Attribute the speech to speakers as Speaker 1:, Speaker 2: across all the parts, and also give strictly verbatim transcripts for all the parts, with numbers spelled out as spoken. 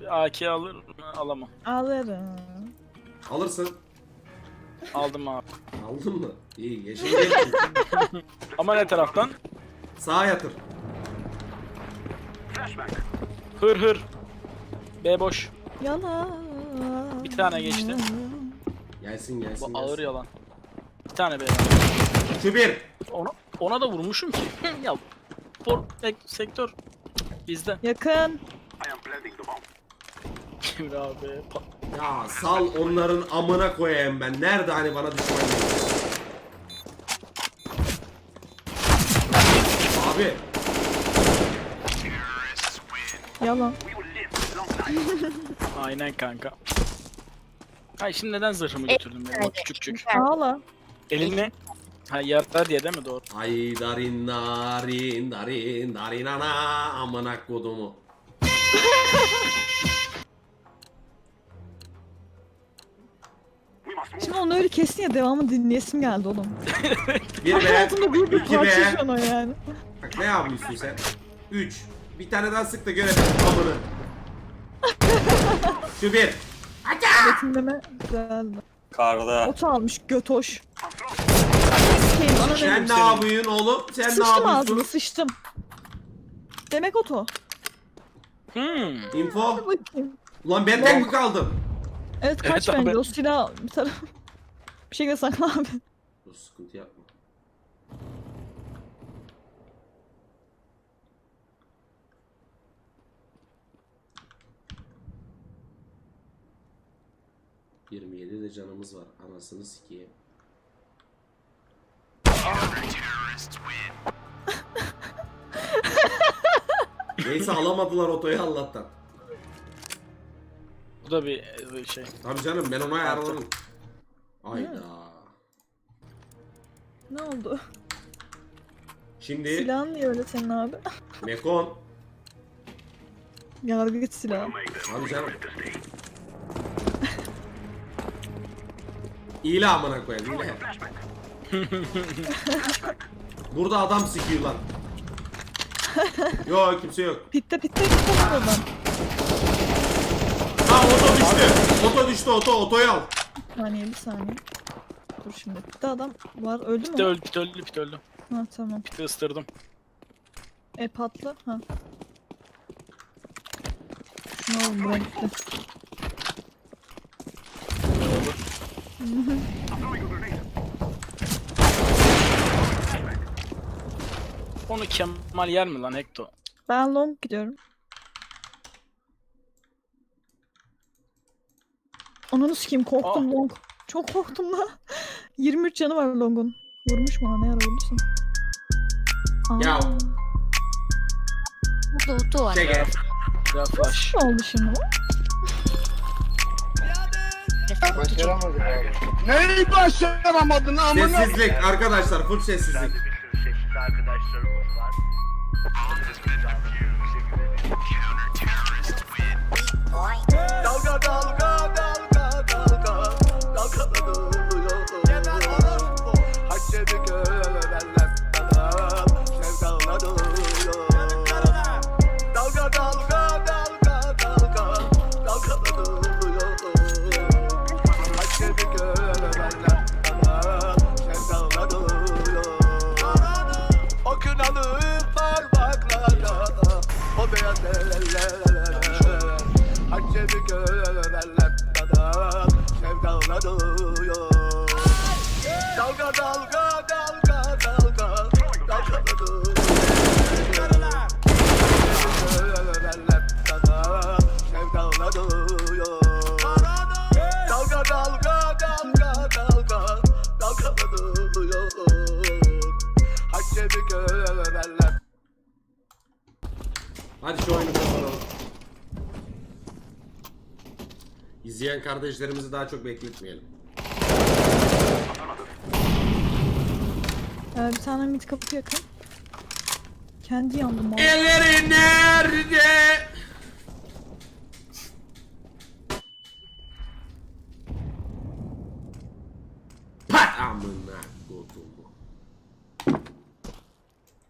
Speaker 1: A K alır mı? Alamam.
Speaker 2: Alırım.
Speaker 3: Alırsın.
Speaker 1: Aldım abi.
Speaker 3: Aldın mı? İyi yeşil geçti.
Speaker 1: Ama ne taraftan?
Speaker 3: Sağa yatır.
Speaker 1: Hır hır. B boş.
Speaker 2: Yalan.
Speaker 1: Bir tane geçti.
Speaker 3: Gelsin gelsin.
Speaker 1: Bu ağır
Speaker 3: gelsin.
Speaker 1: yalan. Bir tane B.
Speaker 3: Şu bir.
Speaker 1: Ona, ona da vurmuşum ki. Ya for, sek, sektör bizde.
Speaker 2: Yakın.
Speaker 1: Kim abi? Pa-
Speaker 3: Ya sal onların amına koyayım ben. Nerede hani bana düşman geliyor? Abi.
Speaker 2: Yalan.
Speaker 1: Aynen kanka. Hay şimdi neden zırhımı götürdüm benim o küçük küçük.
Speaker 2: Ağla.
Speaker 1: Elini ha yarlar diye değil mi doğru?
Speaker 3: Ay darin darin darin darin ana amına kodumu.
Speaker 2: Şimdi onu öyle kesin ya devamı dinleyesim geldi oğlum.
Speaker 3: Bir be.
Speaker 2: Hayatımda büyük bir
Speaker 3: iki
Speaker 2: parça
Speaker 3: be.
Speaker 2: şu an o yani.
Speaker 3: Bak ne yapıyorsun sen? Üç. Bir tane daha sık da görelim amını. Şu bir.
Speaker 2: Betimleme güzeldi.
Speaker 4: Karda.
Speaker 2: Otu almış götoş. Bana
Speaker 3: Sen
Speaker 2: ne?
Speaker 3: ne yapıyorsun oğlum? Sen ne
Speaker 2: Sıçtım ağzına
Speaker 3: yapıyorsun?
Speaker 2: sıçtım. Demek oto.
Speaker 1: Hmm.
Speaker 3: Info.
Speaker 2: Bakayım.
Speaker 3: Ulan ben tek mi kaldım?
Speaker 2: Evet kaç
Speaker 1: Evet abi.
Speaker 2: bence o silah bir taraf. Bir şekilde sakla abi.
Speaker 3: Dur sıkıntı yapma. yirmi yedi de canımız var. Anasını sikeyim. Neyse alamadılar otoyu Allah'tan.
Speaker 1: Bu da bir, bir şey.
Speaker 3: Tabii canım ben ona ayarladım. Ayda.
Speaker 2: Ne oldu?
Speaker 3: Şimdi
Speaker 2: Silahın niye öyle senin abi?
Speaker 3: Mekon.
Speaker 2: Yargı git silahı.
Speaker 3: Tabii canım. İyile amına koyayım iyile. Burada adam sikiyor lan. Yok kimse yok.
Speaker 2: Pitte pitte pitte oradan.
Speaker 3: Ha oto düştü. Oto düştü oto otoyu al.
Speaker 2: Bir saniye bir saniye. Dur şimdi pitte adam var öldü
Speaker 1: Pit
Speaker 2: mü?
Speaker 1: öldü, pit öldü, pit öldü.
Speaker 2: Ha tamam.
Speaker 1: Piti ıstırdım.
Speaker 2: E patlı. Ha. Şunu alalım buraya gitti.
Speaker 1: Onu Kemal yer mi lan Hekto?
Speaker 2: Ben long gidiyorum. Ananı sikeyim korktum long. Çok korktum lan. yirmi üç canı var longun. Vurmuş mu ona ne ara vurduysun? Aa,
Speaker 3: Ya.
Speaker 5: Burada oto var.
Speaker 3: Çek.
Speaker 1: Ya flash.
Speaker 2: ne oldu şimdi o?
Speaker 6: Başaramadık abi. Neyi başaramadın amına?
Speaker 3: Sessizlik arkadaşlar full sessizlik.
Speaker 6: Sessiz arkadaşlarımız var. Dalga dalga dalga dalga dalgalanıyor. Haccemi görenler bana sevdalanıyor. Dalga dalga dalga dalga dalgalanıyor. Haccemi görenler bana sevdalanıyor. O kınalı parmaklara, o beyaz ellere, haccemi görenler bana sevdalanıyor. Dalga dalga dalga dalga dalgalanıyor. Görenler bana sevdalanıyor. Dalga dalga dalga dalga dalgalanıyor. Haccemi görenler.
Speaker 3: Hadi şu oyunu kapatalım. İzleyen kardeşlerimizi daha çok bekletmeyelim.
Speaker 2: Ee, bir tane mid kapı yakın. Kendi yandım abi.
Speaker 3: Elleri nerede? Pat amına kodumu.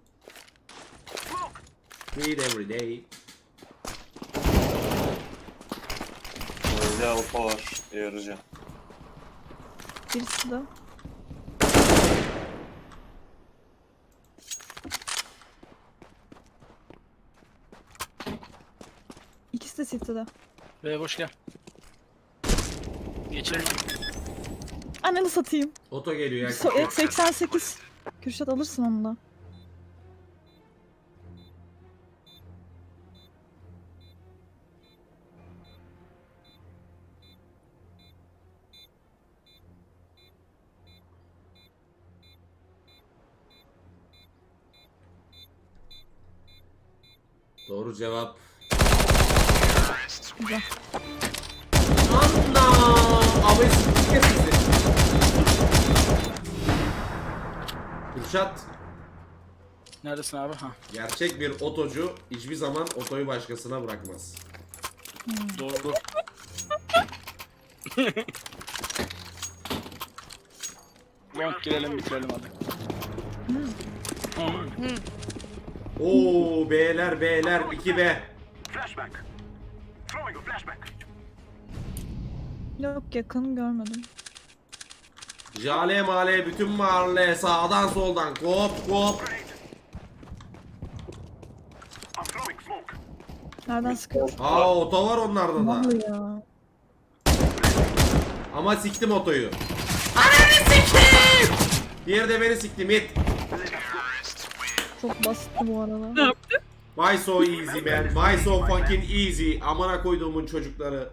Speaker 3: Read every day.
Speaker 4: Ya opa var. Yarıca.
Speaker 2: Birisi de. İkisi de City'de.
Speaker 1: Ve boş gel. Geçelim.
Speaker 2: Ananı satayım.
Speaker 3: Oto geliyor ya.
Speaker 2: So- e, seksen sekiz. Kürşat alırsın onu da.
Speaker 3: Doğru cevap.
Speaker 2: Güzel.
Speaker 3: Anna! Abi siktir sizi. Kürşat,
Speaker 1: Neredesin abi? Ha.
Speaker 3: gerçek bir otocu hiçbir zaman otoyu başkasına bırakmaz.
Speaker 1: Doğru. Long girelim bitirelim hadi. Hı.
Speaker 3: Oo B'ler B'ler iki B.
Speaker 2: Yok, yakın görmedim.
Speaker 3: Jale male bütün mahalle sağdan soldan kop kop.
Speaker 2: Nereden sıkıyor?
Speaker 3: Aa oto var onlarda
Speaker 2: Ne
Speaker 3: da.
Speaker 2: oluyor ya?
Speaker 3: Ama siktim otoyu. Ananı siktim. Diğeri de beni siktim it.
Speaker 2: Çok basitti bu arada.
Speaker 3: Why so easy man? Why so fucking easy? Amına koyduğumun çocukları.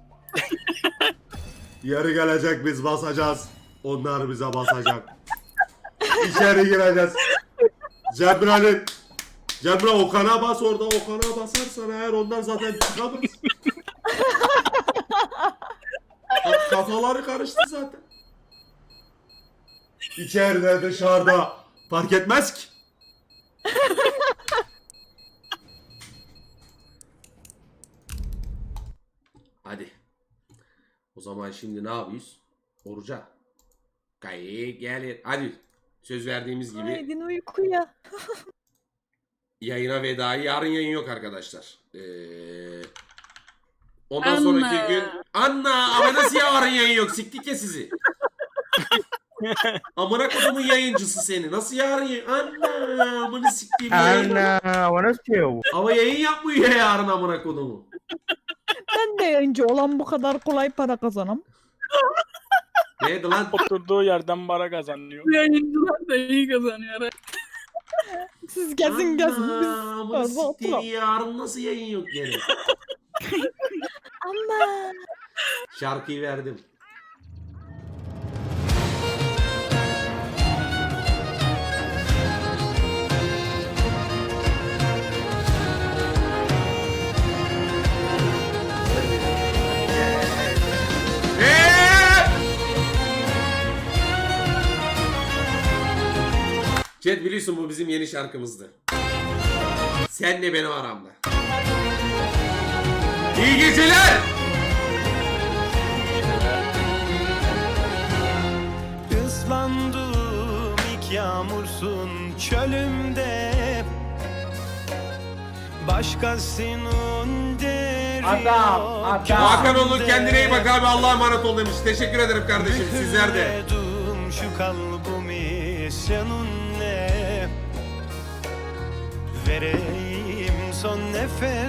Speaker 3: Yarı gelecek biz basacağız. Onlar bize basacak. İçeri gireceğiz. Cebrail'in Cemre Okan'a bas orada. Okan'a basarsan eğer onlar zaten çıkamaz. Bak, kafaları karıştı zaten. İçeride dışarıda fark etmez ki. Hadi. O zaman şimdi ne yapıyoruz? Oruca. Gayet gelir. Hadi. Söz verdiğimiz gibi
Speaker 2: Haydi uykuya.
Speaker 3: yayına vedayı. Yarın yayın yok arkadaşlar. Ee, ondan sonraki gün Anna ama nasıl yarın yayın yok? Siktik ya sizi. Amına kodumun yayıncısı seni. Nasıl yarın yayın? Anna amını siktiğim yayın.
Speaker 5: Anna, wanna chill.
Speaker 3: Ama yayın yapmıyor ya yarın amına kodumu.
Speaker 2: Ben de yayıncı olan bu kadar kolay para kazanam.
Speaker 3: Neydi lan?
Speaker 1: Oturduğu yerden para kazanıyor.
Speaker 7: Yayıncılar da iyi kazanıyor.
Speaker 2: Siz gezin gezin biz
Speaker 3: Anna amını
Speaker 2: fazla
Speaker 3: siktiğim
Speaker 2: oturalım.
Speaker 3: yarın nasıl yayın yok gene?
Speaker 2: Ama
Speaker 3: Şarkıyı verdim. Chat biliyorsun bu bizim yeni şarkımızdı. Senle benim aramda. İyi geceler.
Speaker 8: Islandım ilk yağmursun çölümde. Başkasının deri
Speaker 5: Adam,
Speaker 8: yok
Speaker 5: adam.
Speaker 3: Hakan olur
Speaker 8: gözümde.
Speaker 3: kendine iyi bak abi Allah'a emanet ol demiş. Teşekkür ederim kardeşim sizler de.
Speaker 8: Mühürledim şu kalbimi seninle. Vereyim son nefes.